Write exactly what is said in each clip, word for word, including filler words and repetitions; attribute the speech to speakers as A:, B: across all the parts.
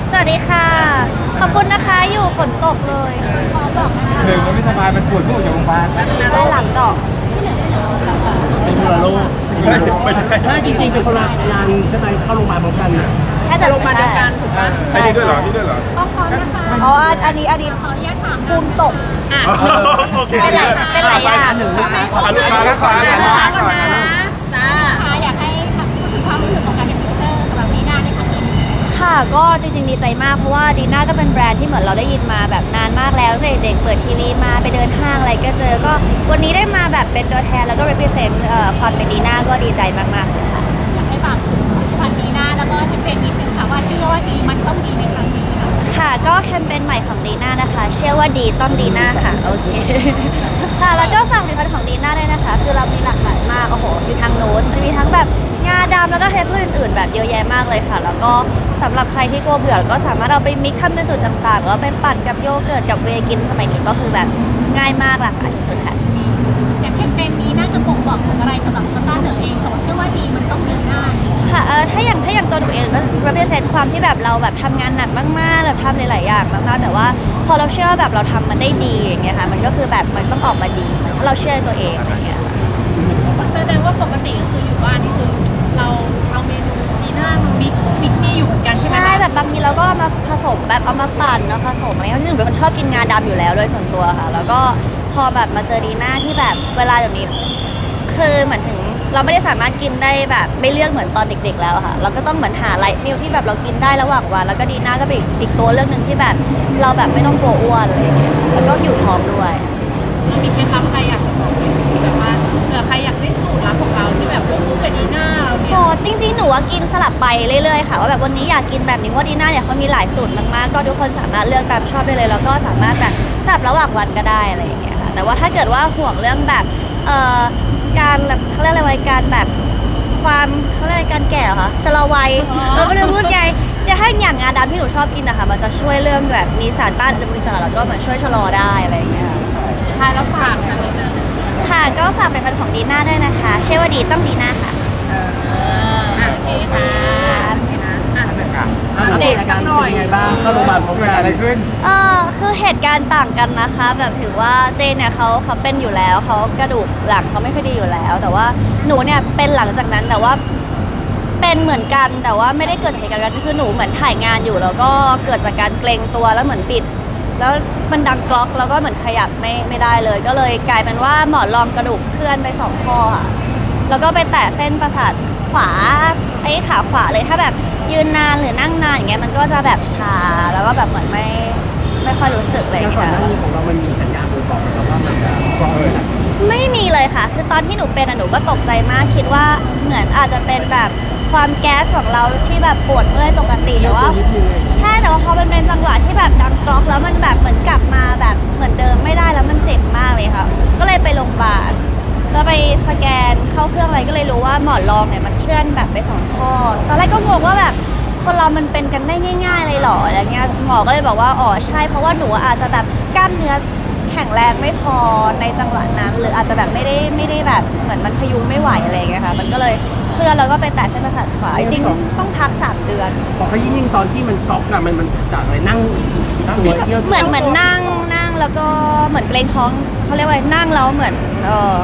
A: สวัสดีค่ะ ขอบคุณนะคะอยู่ฝนตกเลย
B: หนึ่งมันไม่สบายมันปวดพวกจากโรงพยาบาล
A: ด้านหลังดอก
C: เป็นคนละโลก
B: ไม่ไม่ใช่
C: ถ้าจริงๆเป็นคนละงานใช่ไหมเข้าโรงพยาบาลพร้อมกันน่ะ
A: ใช่แต่โรงพยาบาลเดียวกันถูกปะ
B: ใช่นี่ด้วยเหรอนี่ด้วยเหรอ
A: อ๋ออันนี้อันนี้ภูมิตก
B: โอเค
A: เป็นไรเป็นไรอ่ะ
C: หนึ่งลูกค้า
B: อ่ะลูกค้าลูกค้าลูกค้าก่อนนะ
D: จ้าค่ะอยากให้พูดถึงความรู้สึกของการเป็นพรีเซนเตอร์สำหรับนีน่าในครั้งนี้
A: ค่ะก็จริงๆดีใจมากเพราะว่าดีน่าก็เป็นแบรนด์ที่เหมือนเราได้ยินมาแบบนานมากแล้วตั้งแต่เด็กเปิดทีวีมาไปเดินห้างอะไรก็เจอก็วันนี้ได้มาแบบเป็นตัวแทนแล้วก็ represent เอ่อความเป็นดีน่าก็ดีใจมากๆเลยค่ะ
D: อยากให้ฝากถึงผลิตภัณฑ์นีน่าแล้วก็แคมเปญนิดนึงค่ะว่าชื่อว่าดีมันต้องดีในครั้งนี้ค่ะ
A: ค่ะก็แคมเปญใหม่ของดีน่านะคะเชื่อว่าดีต้องดีน่าค่ะโอเค ค่ะแล้วก็ฝากผลิตภัณฑ์ของดีน่าด้วยนะคะคือเรามีหลากหลายมากโอ้โหมีทั้งโน้ตมีทั้งแบบงาดำแล้วก็เฮปอื่นๆ แบบเยอะแยะมากเลยค่ะ แล้วก็สำหรับใครที่กลัวเบื่อก็สามารถเอาไปมิกซ์ทำเป็นสูตรต่างๆแล้วไปปั่นกับโยเกิร์ตกับเวย์กินสมัยนี้ก็คือแบบง่ายมากหลากหลายสุดๆค่ะ
D: อย่างแคมเปญนี้น่าจะบ่งบอกถึงอะไรสำหรับตัวต้าเหนือเองสมมติชื่อว่าดีมันต้องดีหน้า
A: ค่ะเออถ้าอย่างถ้าอย่างตัวหนูเองก็ represent ความที่แบบเราแบบทำงานหนักมากๆแบบทำหลายๆอย่างมากๆแต่ว่าพอเราเชื่อแบบเราทำมันได้ดีอย่างเงี้ยค่ะมันก็คือแบบมันต้องออกมาดีถ้าเราเชื่อในตัวเองอะไรเงี้ย
D: แสดงว่าปกติก็คืออยู่บ้านนี่คือเราเอาเมนูดีน่ามามิกมิกนี่อยู่เหมือนกันใช่ไหม
A: ใช่แบบบางทีเราก็เอามาผสมแบบเอามาปั่นเอาผสมอะไรเงี้ยที่หนูเป็นคนชอบกินงาดำอยู่แล้วโดยส่วนตัวค่ะ แล้วก็พอแบบมาเจอดีน่าที่แบบเวลาเดี๋ยวนี้คือเหมือนถึงเราไม่ได้สามารถกินได้แบบไม่เลือกเหมือนตอนเด็กๆแล้วอะค่ะเราก็ต้องเหมือนหาไลท์มิลที่แบบเรากินได้ระหว่างวันแล้วก็ดีน่าก็เป็นอีกอีกตัวเรื่องหนึ่งที่แบบเราแบบไม่ต้องกลัวอ้วนอะไรอย่างเงี้ยแล้วก็อยู่ท้องด้วย
D: เรามีเคล็ดลับอะไรอยากจะบอกไหมแบบว่าเผื่อใครอยากได้สูตรลับของเราที่แบบคู่กับดีน่าเราเนี่ย
A: โอ้จริงๆ หนูว่ากินสลับไปเรื่อยๆ ค่ะว่าแบบวันนี้อยากกินแบบนี้ว่าดีน่าเนี่ยเขามีหลายสูตรมากๆ ก็ทุกคนสามารถเลือกตามชอบได้เลย แล้วก็สามารถแบบสลับระหว่างวันก็ได้อะไรอย่างเงี้ยค่ะ แต่ว่าถ้าเกิดว่าห่วงเรื่องแบบเอ่อการแบบเขาเรียกอะไรวะการแบบความเขาเรียกอะไรการแก่เหรอคะชะลอวัยเราไม่รู้พูดไงแต่ถ้าอย่างงาดำที่หนูชอบกินนะคะมันจะช่วยเรื่องแบบมีสารต้านอนุมูลอิสระแล้วก็เหมือนช่วยชะลอได้อะไรอย่างเงี้ยค่ะ
D: สุดท้ายแล้วฝากกันเลยนะ
A: ค่ะก็ฝากเป็นพันของดีน่าด้วยนะคะเชื่อว่าดีต้องดีน่าค่ะ
D: โอเคค่ะอ่ะ
C: อัปเดตอาการเป็นยังไงบ้างเข้าโรงพยาบาลพร้อม
B: เกิด
C: กัน
B: อะไรขึ้น
A: เออคือเหตุการณ์ต่างกันนะคะ แบบถือว่าเจนเนี่ยเขาเขาเป็นอยู่แล้วเขากระดูกหลังเขาไม่ค่อยดีอยู่แล้ว แต่ว่าหนูเนี่ยเป็นหลังจากนั้นแต่ว่าเป็นเหมือนกันแต่ว่าไม่ได้เกิดจากเหตุการณ์กันคือหนูเหมือนถ่ายงานอยู่ แล้วก็เกิดจากการเกรงตัวแล้วเหมือนปิด แล้วมันดังกรอกแล้วก็เหมือนขยับไม่ไม่ได้เลย ก็เลยกลายเป็นว่าหมอนรองกระดูกเคลื่อนไปสองข้อค่ะแล้วก็ไปแตะเส้นประสาทขวาไอ้ขาขวาเลยถ้าแบบยืนนานหรือนั่งนานอย่างเงี้ยมันก็จะแบบชาแล้วก็แบบเหมือนไม่ไม่ค่อยรู้สึกอะไรอ
C: แล้
A: ย่าว ง
C: ก่อน
A: เงี้
C: หน้าย นี้ของเรามันมีสัญญาณบ่งบอกนะครับว่ามันจะกรองเลย
A: ไม่มีเลยค่ะ คือตอนที่หนูเป็นอะหนูก็ตกใจมากคิดว่าเหมือนอาจจะเป็นแบบความแก๊สของเราที่แบบปวดเมื่อยปกติแต่ว่า ใช่แต่ว่าพอมันเป็นจังหวะที่แบบดังกรอกแล้วมันแบบเหมือนกลับมาแบบเหมือนเดิมไม่ได้แล้วมันเจ็บมากเลยค่ะก็เลยไปโรงพยาบาลแล้วไปสแกนเข้าเครื่องอะไรก็เลยรู้ว่าหมอนรองเนี่ยมันเคลื่อนแบบไปสองข้อตอนแรกก็งงว่าแบบคนเรามันเป็นกันได้ง่ายๆเลยเหรออะไรเงี้ยหมอก็เลยบอกว่าอ๋อใช่เพราะว่าหนูอาจจะแบบกล้ามเนื้อแข็งแรงไม่พอในจังหวะนั้น หรืออาจจะแบบไม่ได้ไม่ได้แบบเหมือนมันพยุงไม่ไหวอะไรเงี้ยค่ะมันก็เลยเคลื่อนแล้วก็ไปแตะเส้นประสาทขวาจริงๆต้องพักสามเดือน
C: บอกเขายิ่งๆตอนที่มันก๊อกอะมันมันจากอะไรนั่งนั่งตัวเที่ยว
A: เหมือนเหมือนนั่งนั่งแล้วก็เหมือนเกรงท้องเขาเรียกว่าอะไรนั่งแล้วเหมือนเออ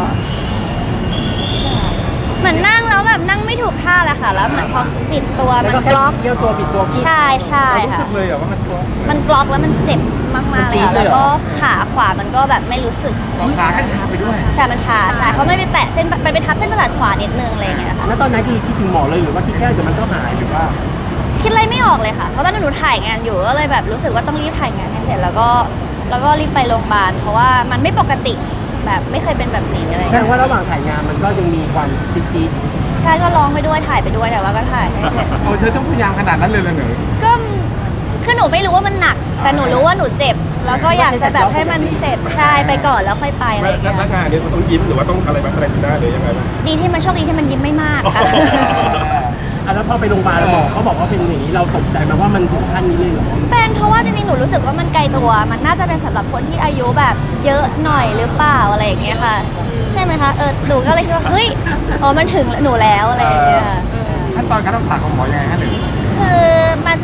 A: เหมือนนั่งแล้วแบบนั่งไม่ถูกท่าแหละค่ะแล้วเหมือนพอปิดตัว
C: แล้ว
A: มัน
C: ก็
A: กล็อก
C: เที่ยวตัวปิดตัว
A: ใช่ใช่
B: เรารู้
A: ค่ะ
B: สึกเลยเหรอว่ามันกรอง
A: มันกล็อกแล้วมันเจ็บมากๆเลยค่ะแล้วก็ขาขวามันก็แบบไม่รู้สึก
B: สองขาก็ชาไปด้วย
A: ใช่มันชาใช่เพราะไม่ไปแตะเส้นมันไปทับเส้นประสาทขวานิดนึงอะไรอย่างเงี้ยค่ะ
C: แล้วตอนนั้นคือคิดถึงหมอเลยหรือว่าคิดแค่เดี๋ยวมันก็หายหรือว่า
A: คิดอะไรไม่ออกเลยค่ะเพราะตอนนั้นหนูถ่ายงานอยู่ก็เลยแบบรู้สึกว่าต้องรีบถ่ายงานให้เสร็จแล้วก็แล้วก็รีบไปโรงพยาบาลเพราะว่ามันไม่ปกติแบบไม่เคยเป็นแบบนี้อะไรอย่าง
C: แสด
A: เงี้ย
C: งว่าระหว่างถ่ายงานมันก็ยังมีความจี๊ด
A: ใช่ก็ร้องไปด้วยถ่ายไปด้วยแต่ว่าก็ถ่ายให้เสร็จ
B: โอ้เธอต้องพยายามขนาดนั้นเลยเหรอหนู
A: ก็คือหนูไม่รู้ว่ามันหนัก แต่หนูรู้ว่าหนูเจ็บ แล้วก็อยากจะแบบให้มันเสร็จใช่ไปก่อนแล้วค่อยไปอะไรอย่าง
B: แล้ว
A: เงี้ย
B: งานนี้มันต้องยิ้มหรือว่าต้องอะไรมาแสดงได้หรือยังไงบ้าง
A: ดีที่มันโชคดีที่มันยิ้มไม่มากค่ะ
C: ๆอ่ะแล้วพอไปโรงพยาบาลหมอเขาบอกว่าเป็นอย่างนี้เราตกใจไหมาว่ามันถึงขั้นนี้เลยเหรอ
A: เป็นเพราะว่าจริงๆหนูรู้สึกว่ามันไกลตัว มันน่าจะเป็นสำหรับคนที่อายุแบบเยอะหน่อยหรือเปล่าอะไรอย่างเงี้ยค่ะ ใช่ไหมคะเออหนูก็เลยคิดว่าเฮ้ยอ๋อมันถึงหนูแล้วอะไรอย่างเงี้ย
B: ขั้นตอนการรักษาของหมอยังไงฮะหนู
A: คือมันจะไม่หาย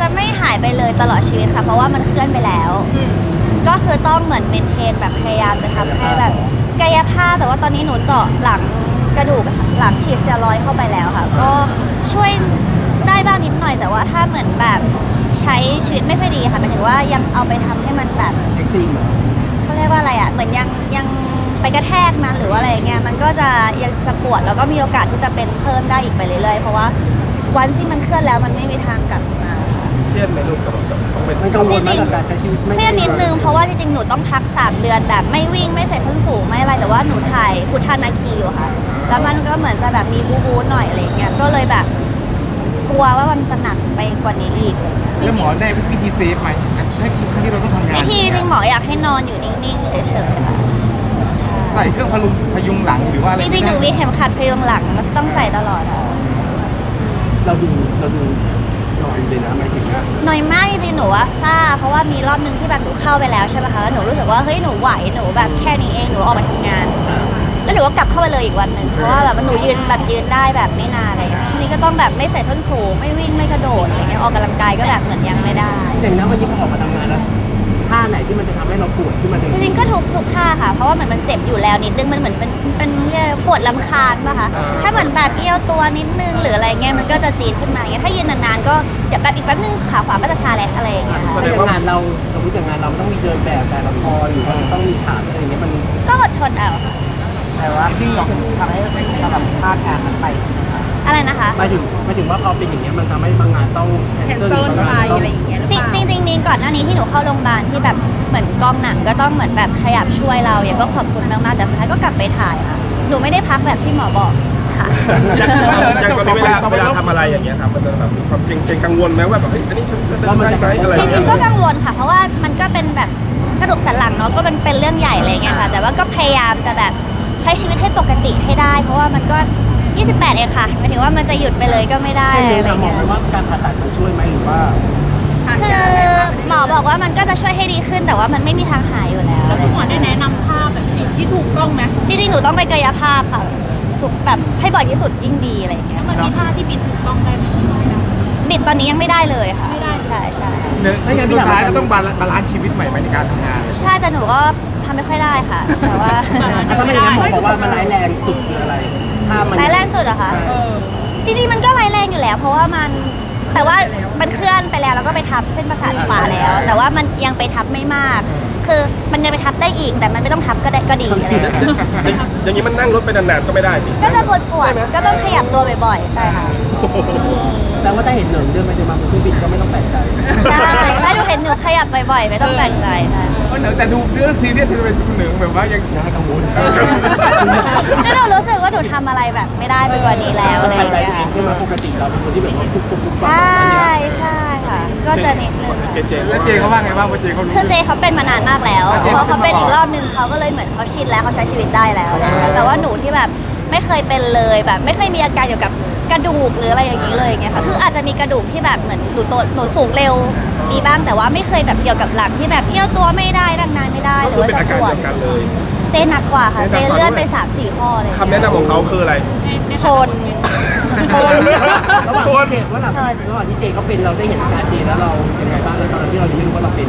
A: ายไปเลยตลอดชีวิตค่ะเพราะว่ามันเคลื่อนไปแล้วก็คือต้องเหมือนเมนเทนแบบพยายามจะทำให้แบบกายภาพแต่ว่าตอนนี้หนูเจาะหลังกระดูกหลังฉีดสเตียรอยด์เข้าไปแล้วค่ะก็ช่วยได้บ้างนิดหน่อยแต่ว่าถ้าเหมือนแบบใช้ชีวิตไม่ค่อยดีค่ะหมายถึงว่ายังเอาไปทำให้มันแบบ
C: เอ็กซ์ตรีมเหรอ
A: เขาเรียกว่าอะไรอ่ะเหมือนยังยังไปกระแทกนะหรือว่าอะไรเงี้ยมันก็จะยังจะปวดแล้วก็มีโอกาสที่จะเป็นเพิ่มได้อีกไปเรื่อยๆเพราะว่าวันที่มันเคลื่อนแล้วมันไม่มีทางกลับมา
B: เครียดไหมลูกกับกับต้องเป็น
C: มันกังวลไหมกับการใช้ชีวิตไม่
A: เครียดนิดนึงเพราะว่าจริงๆหนูต้องพักสามเดือนแบบไม่วิ่งไม่ใส่ส้นสูงไม่อะไรแต่ว่าหนูถ่ายพุทธานาคีอยู่ค่ะแล้วมันก็เหมือนจะแบบมีบูบูหน่อยอะไรเงี้ยก็เลยแบบกลัวว่ามันจะหนักไปกว่านี้อีกจ
B: แล้วหม
A: ริง
B: อได้วิธีเซฟไหมถ้าที่เราต้องทำงาน
A: ๆวิธีจริงหมออยากให้นอนอยู่นิ่งๆเฉยๆค่ะ
B: ใส่เครื่องพลุงพยุงหลังหรือว่าอะไร
A: จริงๆหนูมีเข็มขัดพยุงหลังมันต้องใส่ตลอดอะ
C: เราดูเราดูนอนเลยนะหมายถึงว่า
A: หน่อยมากจริงๆหนูว่าซ่าเพราะว่ามีรอบนึงที่แบบหนูเข้าไปแล้วใช่ไหมคะแล้วหนูรู้สึกว่าเฮ้ยหนูไหวหนูแบบแค่นี้เองหนูออกมาทำงาน แล้วหนูก็กลับเข้าไปเลยอีกวันหนึ่งเพราะว่าแบบหนูยืนแบบยืนได้แบบไม่นานอะไรอย่างเงี้ยช่วงนี้ก็ต้องแบบไม่ใส่ส้นสูงไม่วิ่งไม่กระโดดอะไรเงี้ยออกกำลังกายก็แบบเหมือนยังไม่ได้
C: อย่างนั้นวันนี้พอออกมาทำงานแล้วท่าไหนที่มันจะทำให้เราปวดขึ้นมาจ
A: จริงๆก็ทุกทุกท่าค่ะ เพราะว่าเหมือนมันเจ็บอยู่แล้วนิดนึงมันเหมือนเป็นเป็นเรียกอะไรปวดลำคาญป่ะคะถ้าเหมือนแบบเอี้ยวตัวนิดนึงหรืออะไรเงี้ยมันก็จะจี๊ดขึ้นมาเงี้ยถ้ายืนนานๆก็เดี๋ยวแบบอีกแป๊บนึงขาขวาก็จะชาแล้วอะไรอย่างเงี้ยค่ะ
C: แสดงว่างานเราสมมติอย่างงานเราต้องมีเดินแบบแต่ละครหรือว่าต้องมีฉากอะไรอย่างเงี้ยมัน
A: ก็อดทนเอาค่ะ
B: แต่ว่าที่ทำให้ไม่ทำแบบพลาดงานนั้นไป
A: อะไรนะคะ
C: หมายถึงหมายถึงว่าพอเป็นอย่างเงี้ยมันทำให้บางงานต้องแคนเซิลบางงานต้อง
A: จริงจริงจริงมีก่อนหน้านี้ที่หนูเข้าโรงพยาบาลที่แบบเหมือนกองหนังก็ต้องเหมือนแบบขยับช่วยเราอย่างก็ขอบคุณมากๆแต่สุดท้ายก็กลับไปถ่ายค่ะหนูไม่ได้พักแบบที่หมอบอกค่ะ
B: อย่างตอนนี้เวลาเวลาทำอะไรอย่างเงี้ยครับมันจะแบบมีความเกรงเกรงกังวลไหมว่าแบบเฮ้ยอันนี้ฉันจะได้ไหมอะไร
A: จริงๆก็กังวลค่ะ เพราะว่ามันก็เป็นแบบกระดูกสันหลังเนาะก็มันเป็นเรื่องใหญ่อะไรเงี้ยค่ะ แต่ว่าก็พยายามจะแบบใช้ชีวิตให้ปกติให้ได้ เพราะว่ามันก็ยี่สิบแปดเองค่ะหมายถึงว่ามันจะหยุดไปเลยก็ไม่ได้
C: ได้เลย
A: อะไร
C: ค่ะหมอ
A: เงี้ย
C: ไหมว่าการผ่าตัดมันช่วยไหมหรือว่า
A: คือหมอบอกว่ามันก็จะช่วยให้ดีขึ้นแต่ว่ามันไม่มีทางหายอยู่แล้ว
D: แล้วคุณหมอได้แนะนำท่าแบบที่ถูกต้องไหม
A: จริงๆหนูต้องไปกายภาพค่ะถูกแบบให้บ่อยที่สุดยิ่งดีอะไรเงี้ย
D: มันมีท่าที่บิดถูกต้องได้ไหม
A: บิดตอนนี้ยังไม่ได้เลยค่ะ
D: ไม่ได้
A: ใช่ใช่
B: เนื้อสุดท้ายก็ต้องบาลานซ์ชีวิตใหม่ในการทำงาน
A: ใช่แต่หนูก็ทำไม่ค่อยได้ค่ะ แต่ว่า
C: ถ้าไม่อย่างนั้นหมอบอกว่ามันร้ายแรงสุดคืออะไรถ้ามัน
A: ร้ายแรงสุดเหรอคะจริงๆมันก็ร้ายแรงอยู่แล้ว เพราะว่ามันแต่ว่ามันเคลื่อนไปแล้วแล้วก็ไปทับเส้นประสาทขวาแล้ว แต่ว่ามันยังไปทับไม่มาก คือมันยังไปทับได้อีกแต่มันไม่ต้องทับก็ได้ก็ดีอะไรอย่างเงี้ย
B: อย่างนี้มันนั่งรถไปนานๆก็ไม่ได้ดิ
A: ก็จะปวดปวดๆก็ต้องขยับตัวบ่อยๆใช่ค่ะ
C: แต่ว่าถ้าเห็นเหนิงเดินไปเดินมาบนเครื่องบินก็ไม่ต้องแปลกใจ
A: ใช่ใช่หนูเห็นหนูขยับบ่อยๆไม่ต้องแปลกใจค่ะ
B: แต่ดูเรื่องซีเรียสที่เป็นหนึ่งแบบว่ายังน่ากังวล
A: แล้วหนูรู้สึกว่าหนูทำอะไรแบบไม่ได้ไปกว่านี้แล้วอะไรอ
C: หาย
A: ย่าง
C: ใจ
A: เงี้ย
C: เองใช่ไหมปกติเราเป็นคนที่แบบว่าคุกคุกคุก
A: ใช่ใช่ค่ะ ก็จะนิดนึงค่ะ
B: เจแล้วเจเขาว่าไงบ้างว่าเจเขารู้
A: คือเจเขาเป็นมานานมากแล้วพอเขาเป็นอีกรอบนึงเขาก็เลยเหมือนเขาชินแล้วเขาใช้ชีวิตได้แล้วอะไรเงี้ยแต่ว่าหนูที่แบบไม่เคยเป็นเลยแบบ ไม่เคยมีอาการเกี่ยวกับกระดูกหรืออะไรอย่างนี้เลยอย่างเงี้ยค่ะคืออาจจะมีกระดูกที่แบบเหมือนหนูโตหนูสูงเร็วมีบ้างแต่ว่าไม่เคยแบบเกี่ยวกับหลังที่แบบเอี้ยวตัวไม่ได้ดันนานไม่ได้หรือว่า
B: เป็น
A: จะ
B: อา
A: ป
B: การ
A: วด
B: เดียวกันเลย
A: เจหนักกว่าค่ะเจเลื่อนไปสามสี่ข้อเลย
B: คำแนะนำของเขาคืออะไร
A: ทน
B: โคน
C: ระหว่างที่เจว่าเราระหว่างที่เจเขาเป็นเราได้เห็นอาการเจแล้วเรายังไงบ้างแล้วตอนที่เรายังไม่รู้ว่าเราเป็น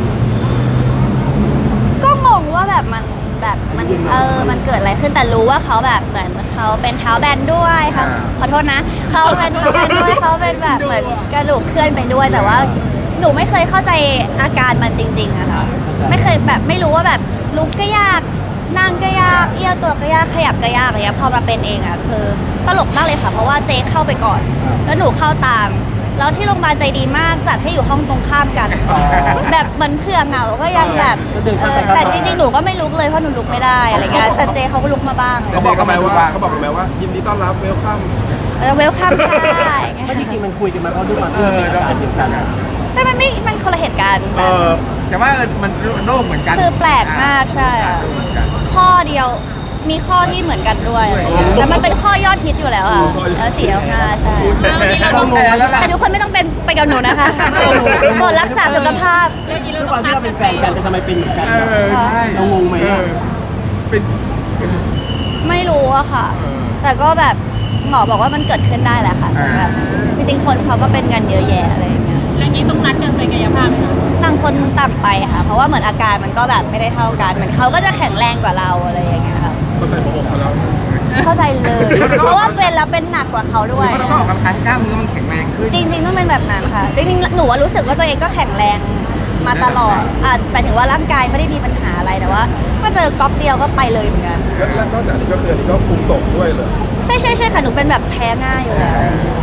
A: ก็งงว่าแบบมันแบบมันเออมันเกิดอะไรขึ้นแต่รู้ว่าเขาแบบเหมือนเขาเป็นเท้าแบนด้วยค่ะขอโทษนะเขาเป็นเท้าแบนด้วยเขาเป็นแบบเหมือนกระดูกเคลื่อนไปด้วย แต่ว่าหนูไม่เคยเข้าใจอาการมันจริงๆอะค่ะไม่เคยแบบไม่รู้ว่าแบบลุกก็ยากนั่งก็ยากเอี้ยวตัวก็ยากขยับก็ยากอะไรเงี้ยพอมาเป็นเองอะคือตลกมากเลยค่ะเพราะว่าเจ๊เข้าไปก่อน แล้วหนูเข้าตามแล้วที่โรงพยาบาลใจดีมากจัดให้อยู่ห้องตรงข้ามกัน แบบเหมือนเผื่อเหงาก็ยังแบบเออแต่จริงๆหนูก็ไม่ลุกเลยเพราะหนูลุกไม่ได้อะไรเงี้ยแต่เจเขาก็ลุกมาบ้าง
B: เขาบอกกันไหมว่าเขาบอกกันไหมว่ายินดีต้อนรับเวลคัม
A: เออเวลคัมค่ะ
C: ไม่จริงๆมันคุยกันมาเพราะทุกวันที่เราเป็นอาการเดียวกัน
A: แต่มันไม่มันคนละเหตุการณ์
B: เออแต่ว่ามันโรคเหมือนกัน
A: คือแปลกมากใช่อะข้อเดียวมีข้อที่เหมือนกันด้วยแต่มันเป็นข้อยอดฮิตอยู่แล้วอ่ะเออสี่แล้วห้าใช่
B: เราแพ้แล้วล่ะ
A: แต่ทุกคนไม่ต้องเป็นไปกับหนูนะคะโปรดรักษาสุขภาพ
C: ทุกวันที่เราเป็นแฟนกันแต่ทำไมเป็นเหมือนกัน
B: เออใช่
C: เรางงไหมอะ
B: เป็น
A: ไม่รู้อะค่ะ แต่ก็แบบหมอบอกว่ามันเกิดขึ้นได้แหละค่ะสำหรับจริงๆคนเขาก็เป็นกันเยอะแยะอะไรอย่างเงี้ย
D: แล้วอย่างนี้ต้องนัดกันไปกายภาพไหมคะ
A: ต่างคนต่างไปค่ะ เพราะว่าเหมือนอาการมันก็แบบไม่ได้เท่ากันเหมือนเขาก็จะแข็งแรงกว่าเราอะไรอย่างเงี้ยค่ะ
B: ก็ใส่หัวอกเขาแล้ว
A: เข้าใจเลย เพราะว่าเป็นแล้วเป็นหนักกว่าเขาด้วย
E: เพราะเราก็ออกกำลังกายให้กล้ามเนื้อมันแข็งแรงขึ้น
A: จริงๆต้องเป็นแบบนั้นค่ะ จริงๆหนูว่ารู้สึกว่าตัวเองก็แข็งแรงมาตลอดอ่ะหมายถึงว่าร่างกายไม่ได้มีปัญหาอะไรแต่ว่าถ้าเจอก๊อกเดียวก็ไปเลยเหมือนกัน
B: แล้วนอกจากนี้ก็คืออันนี้ก็คุมตกด้วยเลย
A: ใช่ใช่ใช่ค่ะหนูเป็นแบบแพ้ง่ายอยู่แล้ว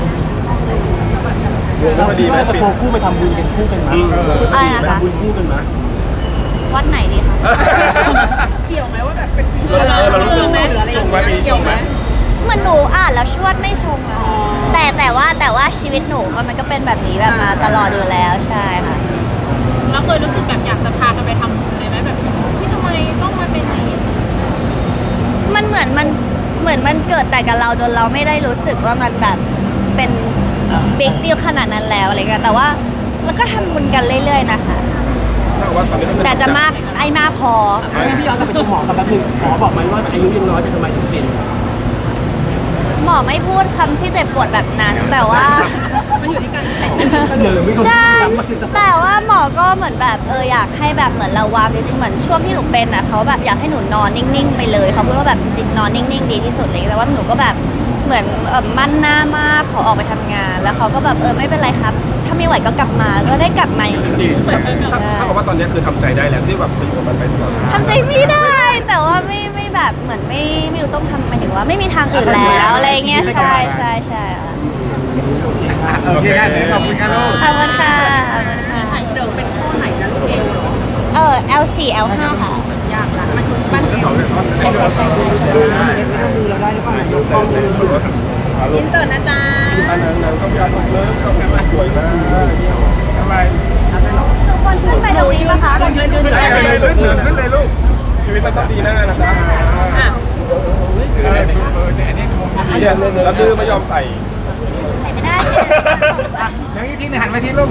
B: รวม
C: เรา
B: ไม่
C: คิ
B: ดี
C: ด
B: ไหม
C: ว่าจะ
B: ปิด
C: โคคู่ไปทำบุญกันคู่กันมั้ย
A: อะไรนะคะ
C: ทำบุญคู่กันมั้ย
A: วัดไหนดีคะ
F: เกี่ยวไหมว่าแบบเป็นปี
B: เออเรารู้สึก
F: ไหมหรืออะไรอ
B: จ
F: ย่าง ง
B: ไหม
F: เงี้ย
B: ปีจ
F: เกี่ยว
B: ง
F: ไห
B: ไห
F: ม
B: ม
A: เหมือนหนูอ่านแล้วชวดไม่ชงอะค่ะแต่แต่ว่าแต่ว่าชีวิตหนูมันมันก็เป็นแบบนี้แบบมาตลอดอยู่แล้วใช่ค่ะ
D: เราเคยรู้สึกแบบอยากจะพากันไปทำบุญเลยไหมแบบรู้สึกที่ทำไมต้องมาเป็นอย่างนี้
A: มันเหมือนมันเหมือนมันเกิดแต่กับเราจนเราไม่ได้รู้สึกว่ามันแบบเป็นบิ๊กดีลขนาดนั้นแล้วอะไรเงี้ยแต่ว่าแล้วก็ทำบุญกันเรื่อยๆนะคะ
B: ถ้าว่าตอนนี้ก็คือ
A: แต่จะมากไอ้มากพอ
C: งั้นพี่ย้อนกลับไปที่หมอกับแป๊บนึงหมอบอกไหมว่าอายุยังน้อยแต่ทำไมถึงเป็น
A: หมอไม่พูดคำที่เจ็บปวดแบบนั้น แต่ว่า
F: มันอยู่ที่การใช้ชีวิต
C: เหลือไม่คน
A: ใช่
C: ย้ำมาคือจะ
A: แต่ว่าหมอก็เหมือนแบบเอออยากให้แบบเหมือนระวังจริงๆเหมือนช่วงที่หนูเป็นอ่ะเขาแบบอยากให้หนูนอนนิ่งๆไปเลยเขาพูดว่าแบบจริงๆนอนนิ่งๆดีที่สุดเลยแต่ว่าหนูก็แบบเหมือนเออมั่นหน้ามากขอออกไปทำงาน แล้วเขาก็แบบเออไม่เป็นไรครับ ถ้าไม่ไหวก็กลับมาก็ได้กลับมาจริง
B: ถ้าถ้าบอกว่าตอนนี้คือทำใจได้แล้วที่แบบไปอยู่กับมันไปตลอด
A: ๆทำใจไม่ได้ แต่ว่าไม่ไม่แบบเหมือนไม่ไม่รู้ต้องทำหมายถึงว่าไม่มีทางอื่นแล้วอะไรเงี้ยใช่ใช่ใช่ค่ะ
E: โอเคได้เลยขอบคุณครับลูก
A: ขอบคุณค่ะขอบคุณค่ะ
F: เดิมเป็นข้อไหนนะลูกเอวเหรอ
A: เออ แอล โฟร์ แอล ไฟว์ ค่ะ
F: ยากละมันคือปั้นเอว
A: ใช่ใช่ใช่ใช่ใช่
F: อินเสิร์ตนะจ๊ะ
B: อันนั้นนั้นก็ยากเลิฟเขาสวยมากทำไม
A: ทุกคนขึ้นไปตรงนี้ปะคะ
B: ขึ้นเลยลูกขึ้นเลยลูกชีวิตมันต้องดีแน่นะจ๊ะ
F: อ่ะ
B: เนี่ยแล้วดื้อไม่ยอมใส่
A: ใส่ไม่ได้
E: แล้วอีกทีหนึงหันมาที่ลูก